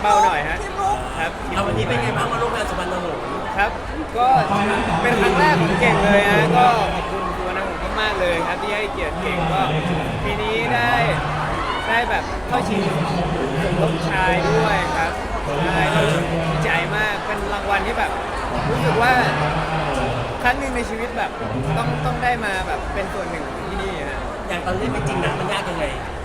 เบาหน่อยฮะทีมลุกครับเอาวันนี้เป็นไงบ้างมาร่วมงานสุพรรณหงส์ครับ ก็เป็นครั้งแรกของเก่งเลยฮะก็ขอบคุณตัวนักผมมากๆเลยครับที่ให้เกียรติเก่งก็ปีนี้ได้แบบเข้าชิงสมทบชายด้วยครับใช่ก็ดีใจมากเป็นรางวัลที่แบบรู้สึกว่าครั้งหนึ่งในชีวิตแบบต้องได้มาแบบเป็นส่วนหนึ่งของที่นี่ฮะอย่างตอนเล่นเป็นจริงนะมันยากยังไง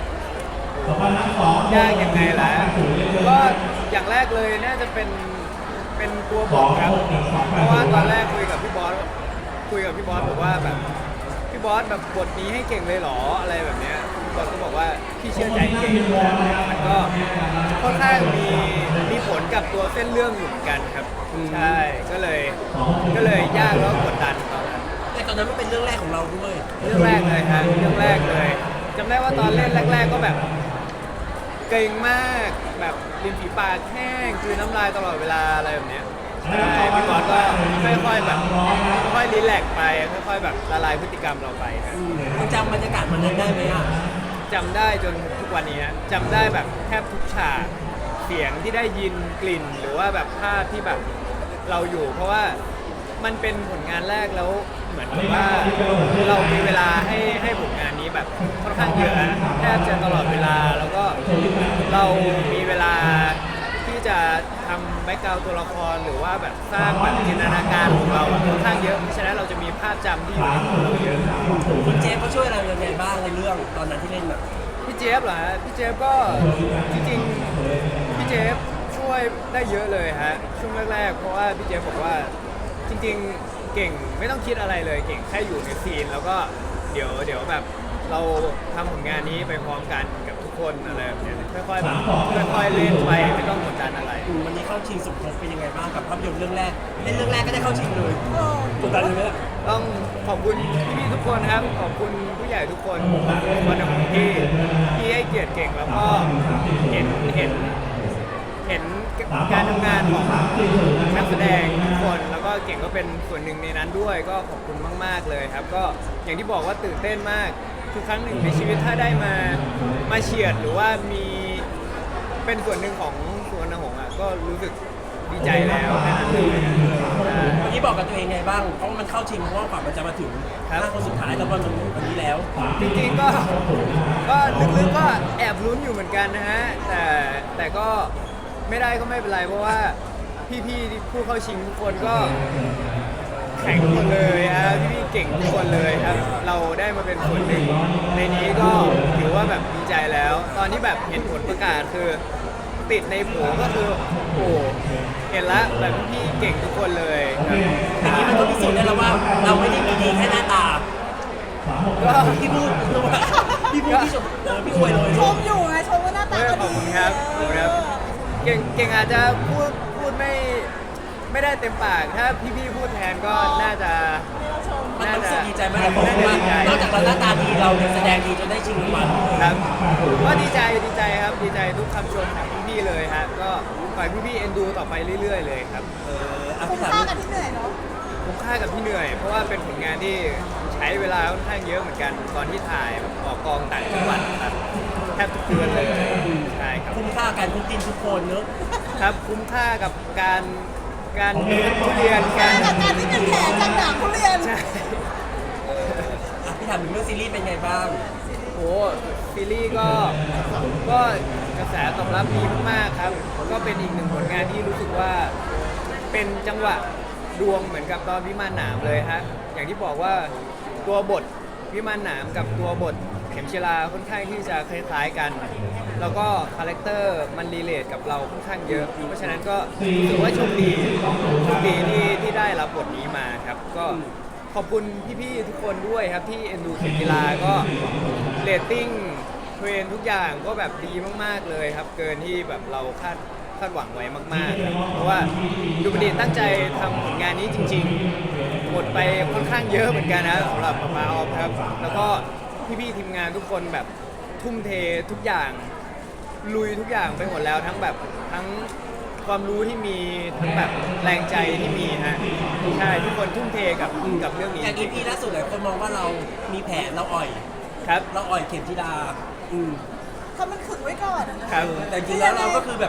ยากยังไงล่ะก็อย่างแรกเลยน่าจะเป็นตัวบทครับเพราะว่าตอนแรกคุยกับพี่บอสบอกว่าแบบพี่บอสแบบบทนี้ให้เก่งเลยเหรออะไรแบบเนี้ยพี่บอสก็บอกว่าพี่เชื่อใจเก่งมันก็ค่อนข้างมีผลกับตัวเส้นเรื่องอยู่เหมือนกันครับใช่ก็เลยยากแล้วก็กดดันตอนนั้นแต่ตอนนั้นมันเป็นเรื่องแรกของเราด้วยเรื่องแรกเลยฮะเรื่องแรกเลยจำได้ว่าตอนเล่นแรกๆก็แบบเกรงมากแบบริมฝีปากแห้งคือน้ำลายตลอดเวลาอะไรแบบเนี้ยใช่พี่บอสก็ค่อยๆแบบค่อยๆรีแลกซ์ไปค่อยๆแบบละลายพฤติกรรมเราไปครับมันจำบรรยากาศมันนั้นได้ไหมอ่ะจำได้จนทุกวันนี้ฮะจำได้แบบแทบทุกฉากเสียงที่ได้ยินกลิ่นหรือว่าแบบภาพที่แบบเราอยู่ เพราะว่ามันเป็นผลงานแรกแล้วเหมือนกับว่าเรามีเวลาให้ผลงานนี้แบบค่อนข้างเยอะนะแทบจะตลอดเวลาแล้วก็เรามีเวลาที่จะทำแบ็กกราวด์ตัวละครหรือว่าแบบสร้างแบบจินตนาการของเราอะค่อนข้างเยอะเพราะฉะนั้นเราจะมีภาพจำที่อยู่ในหัวเราเยอะคุณเจฟเขาช่วยเรายังไงบ้างในเรื่องตอนนั้นที่เล่นแบบพี่เจฟเหรอฮะพี่เจฟก็จริงๆพี่เจฟช่วยได้เยอะเลยฮะช่วงแรกๆเพราะว่าพี่เจฟบอกว่าจริงๆเก่งไม่ต้องคิดอะไรเลยเก่งแค่อยู่ในซีนแล้วก็เดี๋ยวแบบเราทำผลงานนี้ไปพร้อมกันกับทุกคนอะไรแบบเนี้ยค่อยๆแบบค่อยๆเล่นไปไม่ต้องกดดันอะไรวันนี้เข้าชิงสมทบเป็นยังไงบ้างกับภาพยนตร์เรื่องแรกเล่นเรื่องแรกก็ได้เข้าชิงเลยกดดันเลยไหมล่ะต้องขอบคุณพี่ๆทุกคนครับขอบคุณผู้ใหญ่ทุกคนวันของที่ให้เกียรติเก่งแล้วก็เห็นการทำงานของนักแสดงทุกคนแล้วก็เก่งก็เป็นส่วนหนึ่งในนั้นด้วยก็ขอบคุณมากๆเลยครับก็อย่างที่บอกว่าตื่นเต้นมากทุกครั้งหนึ่งในชีวิตถ้าได้มาเฉียดหรือว่ามีเป็นส่วนหนึ่งของสวนหงส์อ่ะก็รู้สึกดีใจแล้วแค่นั้นเลยเมื่อกี้บอกกับตัวเองไงบ้างเพราะมันเข้าชิงเพราะว่าฝันมันจะมาถึงครับ 5 คนสุดท้ายแล้ววันนี้แล้วจริงๆก็ลึกๆก็แอบลุ้นอยู่เหมือนกันนะฮะแต่ก็ไม่ได้ก็ไม่เป็นไรเพราะว่าพี่ๆที่ผู้เข้าชิงทุกคนก็แข่งทุกคนเลยฮะพี่ๆเก่งทุกคนเลยครับเราได้มาเป็นส่วนหนึ่งในนี้ก็ถือว่าแบบดีใจแล้ว ตอนที่แบบเห็นผลประกาศคือติดในโผก็คือโอ้เห็นละแบบพี่ๆเก่งทุกคนเลยครับอย่างนี้มันก็พิสูจน์ได้แล้วว่าเราไม่ได้มีดีแค่หน้าตาก็พี่พูดพี่ชมพี่อวยเลยชมอยู่ไงชมว่าหน้าตาขก็อบดีคุณครับขอบคุณครับ เก่งอาจจะพูดไม่ได้เต็มปาก ถ้าพี่ๆพูดแทนก็น่าจะมันรู้สึกดีใจไหมแต่ผมว่านอกจากเราหน้าตาดีเรายังแสดงดีจนได้ชิงรางวัลครับก็ดีใจครับดีใจทุกคำชมของพี่ๆเลยฮะก็ฝากพี่ๆเอ็นดูต่อไปเรื่อยๆเลยครับอ่ะคุ้มพี่ถามค่ากันที่เหนื่อยเนาะคุ้มค่ากับพี่เหนื่อย เพราะว่าเป็นผลงานที่ใช้เวลาค่อนข้างเยอะเหมือนกันตอนที่ถ่ายแบบออกกองต่างจังหวัดครับแทบทุกเดือนเลยใช่ครับคุ้มค่าการทุกดินทุกคนเนอะครับคุ้มค่ากับการทุเรียนการกับการที่เป็นแผลจากหนังทุเรียนใช่อ่ะพี่ถามถึงเรื่องซีรีส์เป็นไงบ้างโอ้ซีรีส์ก็กระแสตอบรับดีมากๆครับ ก็เป็นอีกหนึ่งผลงานที่รู้สึกว่าเป็นจังหวะดวงเหมือนกับตอนวิมานหนามเลยฮะอย่างที่บอกว่าตัวบทวิมานหนามกับตัวบทเข็มชีลาค่อนข้างที่จะคล้ายๆกัน แล้วก็คาแรคเตอร์มันรีเลทกับเราค่อนข้างเยอะ เพราะฉะนั้นก็ถือว่าโชคดีที่ได้รับบทนี้มาครับก็ขอบคุณพี่ๆทุกคนด้วยครับที่เอ็นดูเข็มกีฬาก็เรตติ้งเทรนทุกอย่างก็แบบดีมากๆเลยครับ เกินที่แบบเราคาดหวังไว้มากๆครับเพราะว่าดูบันดีตั้งใจทำผลงานนี้จริงๆหมดไปค่อนข้างเยอะเหมือนกันนะสำหรับป๊าออฟครับแล้วก็พี่ๆทีมงานทุกคนแบบทุ่มเททุกอย่างลุยทุกอย่างไปหมดแล้วทั้งแบบทั้งความรู้ที่มีทั้งแบบแรงใจที่มีฮะใช่ทุกคนทุ่มเทกับเรื่องนี้อย่าง EP ล่าสุดหลายคนมองว่าเรามีแผนเราอ่อยครับเราอ่อยเข็มทิดาอืมทำมันขึงไว้ก่อนอะนะครับแต่จริงๆแล้วเราก็คือแบบค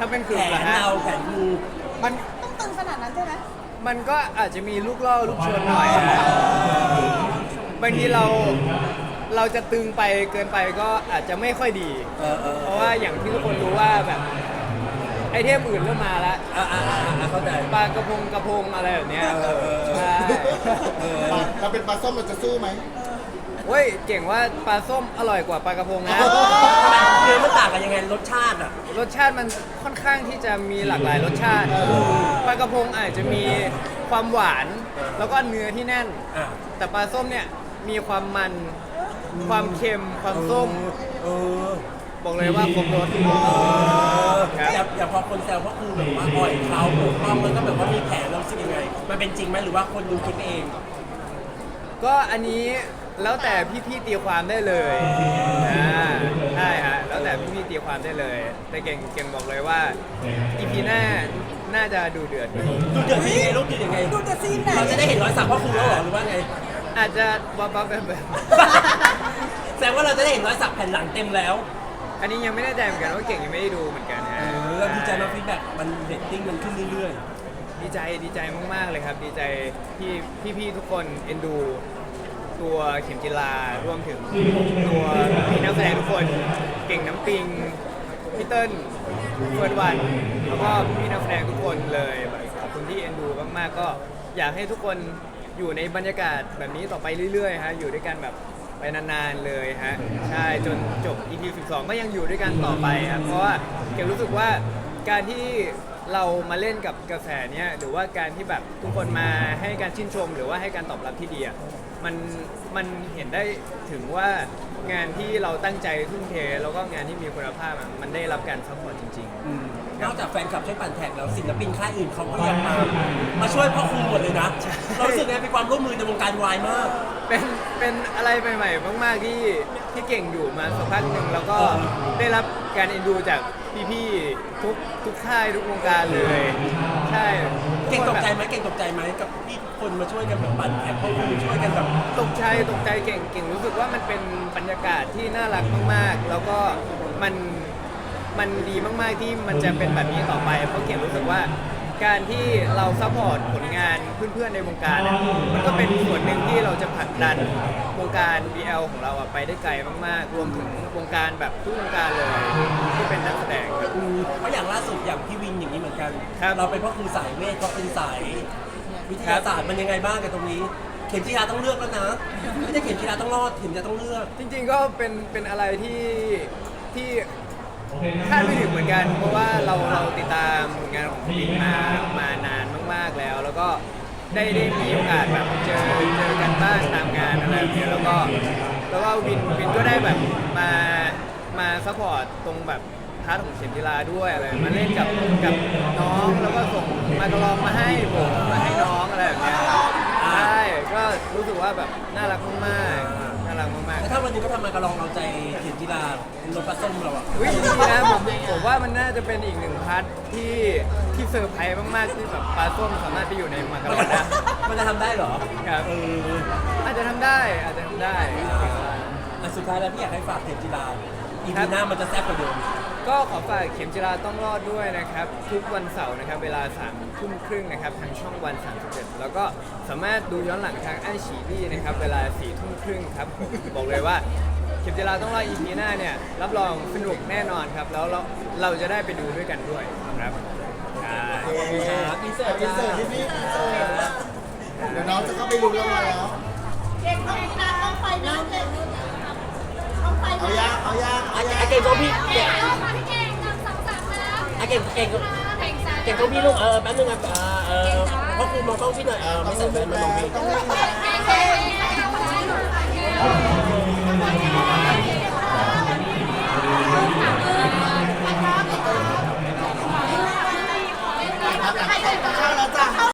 ถ้าเป็นแผกลุ่มนเหรอฮะเราแผนงูมันต้องตึงขนาดนั้นใช่ไหมมันก็อาจจะมีลูกล่อลูกชนหน่อยฮะบางทีเราจะตึงไปเกินไปก็อาจจะไม่ค่อยดี เพราะว่าอย่างที่ทุกคนรู้ว่าแบบไอเทมอื่นเริ่มมาแล้วเข้าใจปลากระพงอะไรแบบเนี้ยใช่เราเป็นปลาส้มเราจะสู้ไหมเว้ยเก่งว่าปลาส้มอร่อยกว่าปลากระพงนะทำไมเนื้อมันต่างกันยังไงรสชาติอ่ะรสชาติมันค่อนข้างที่จะมีหลากหลายรสชาติปลากระพงอาจจะมีความหวานแล้วก็เนื้อที่แน่นอ่ะแต่ปลาส้มเนี่ยมีความมันความเค็มความส้มเออบอกเลยว่าครบรสครับอย่าพอคนแซวเพราะครูแบบว่าอ่อยเขาปกป้องแล้วก็แบบว่ามีแผลเรารู้สึกยังไง มันเป็นจริงไหมหรือว่าคนดูคิดเองก็อันนี้แล้วแต่พี่ๆตีความได้เลยใช่ฮะแล้วแต่พี่ๆตีความได้เลย แต่เก่งบอกเลยว่าอีพีหน้าน่าจะดูเดือดอยู่ดูเดือดยังไงลูกเดือดยังไงดูแต่ซีนไหนเราจะได้เห็นรอยสักพ่อครูแล้วเหรอหรือว่าไงอาจจะบ้าๆแบบแสดงว่าเราจะได้เห็นรอยสักแผ่นหลังเต็มแล้วอันนี้ยังไม่แน่ใจเหมือนกันว่าเก่งยังไม่ได้ดูเหมือนกันฮะเราดีใจมากฟีดแบ็กมันเรตติ้งมันขึ้นเรื่อยดีใจมากๆเลยครับ ดีใจที่พี่ๆทุกคนเอ็นดู ตัวเข็มจิลารวมถึงตัวพี่นักแสดงทุกคนเก่งน้ำปิงพี่เติ้ลเฟิร์นวันแล้วก็พี่นักแสดงทุกคนเลยขอบคุณที่เอ็นดูมากๆก็อยากให้ทุกคนอยู่ในบรรยากาศแบบนี้ต่อไปเรื่อยๆฮะอยู่ด้วยกันแบบไปนานๆเลยฮะใช่จนจบ EP 12 ก็ยังอยู่ด้วยกันต่อไปครับเพราะว่าเก่งรู้สึกว่าการที่เรามาเล่นกับกระแสเนี้ยหรือว่าการที่แบบทุกคนมาให้การชื่นชม หรือว่าให้การตอบรับที่ดีอะมันเห็นได้ถึงว่างานที่เราตั้งใจทุ่มเทแล้วก็งานที่มีคุณภาพอะมันได้รับการซัพพอร์ตจริงๆนอกจากแฟนคลับช่วยปั่นแท็กแล้วศิลปินค่ายอื่นเขาก็ยังมาช่วยพ่อครูหมดเลยนะ เรารู้สึกไงเป็นความร่วมมือในวงการวายมากเป็นอะไรใหม่ๆมากๆที่เก่งอยู่มาสักพักหนึ่งแล้วก็ได้รับการเอ็นดูจากพี่ๆทุกค่ายทุกวงการเลยใช่เก่งตกใจไหมเก่งตกใจไหมกับที่คนมาช่วยกันแบบปั่นแท็กพ่อครูช่วยกันแบบตกใจเก่งรู้สึกว่ามันเป็นบรรยากาศที่น่ารักมากๆ แล้วก็มันดีมากๆที่มันจะเป็นแบบนี้ต่อไป เพราะเก่งรู้สึกว่าการที่เราซัพพอร์ตผลงานเพื่อนๆในวงการอะมันก็เป็นส่วนหนึ่งที่เราจะผลักดันวงการ BL ของเราอะไปได้ไกลมากๆ รวมถึงวงการแบบทุกวงการเลยที่เป็นนักแสดงครับเพราะอย่างล่าสุดอย่างพี่วินอย่างนี้เหมือนกันครับเราเป็นพ่อครูสายเวทเขาเป็นสายวิทยาศาสตร์มันยังไงบ้างกับตรงนี้ เข็มจีราต้องเลือกแล้วนะไม่ใช่เข็มจีราต้องรอดเข็มจีราต้องเลือกจริงๆก็เป็นอะไรที่คาดไม่ถึงเหมือนกัน เพราะว่าเราติดตามผลงานของพี่มานานมากๆแล้ว แล้วก็ได้มีโอกาสแบบเจอกันบ้างตามงานอะไรแบบนี้แล้วก็วินก็ได้แบบมาซัพพอร์ตตรงแบบพาร์ทของเข็มกีฬาด้วยอะไรมาเล่นกับน้องแล้วก็ส่งมากระลองมาให้ผมมาให้น้องอะไรแบบเนี้ยใช่ก็รู้สึกว่าแบบน่ารักมากๆน่ารักมากแต่ถ้าวันนี้ก็ทำมากระลองเอาใจเข็มจีราเป็นรถปลาส้มเราอะๆวิดีนะผมว่ามันน่าจะเป็นอีกหนึ่งพาร์ทที่เซอร์ไพรส์มากๆที่แบบปลาส้มสามารถไปอยู่ในมากระลองได้มันจะทำได้เหรอครับ อาจจะทำได้อ่ะสุดท้ายแล้วพี่อยากให้ฝากเข็มจีราอีครัพีบหน้ามันจะแซ่บกว่าเดิมก็ขอฝากเข็มจิราต้องรอดด้วยนะครับ ทุกวันเสาร์นะครับเวลา3:30นะครับทางช่องวัน37แล้วก็สามารถดูย้อนหลังทางไอฉีดี้นะครับเวลา4:30ครับผมบอกเลยว่าเข็มจิราต้องรอด EP หน้าเนี่ยรับรองสนุกแน่นอนครับ แล้วเราจะได้ไปดูด้วยกันด้วยครับใช่อินเสิร์ตอินเสิร์ตที่นี่เดี๋ยวน้องจะเข้าไปลุ้นรางวัลแล้วเก่งต้องนะต้องไฟนะเก่งต้องไฟเอานะยากเอายากเอายากไอเก่งตัวพี่เก่งมาที่เก่งนำ2-3แล้วไอเก่งเก่งจ้าตัวพี่ลูกแป๊บนึงอ่ะพ่อครูมองกล้องพี่หน่อยไม่ใส่แว่นมามองพี่ต้องเล่นนะเก่ง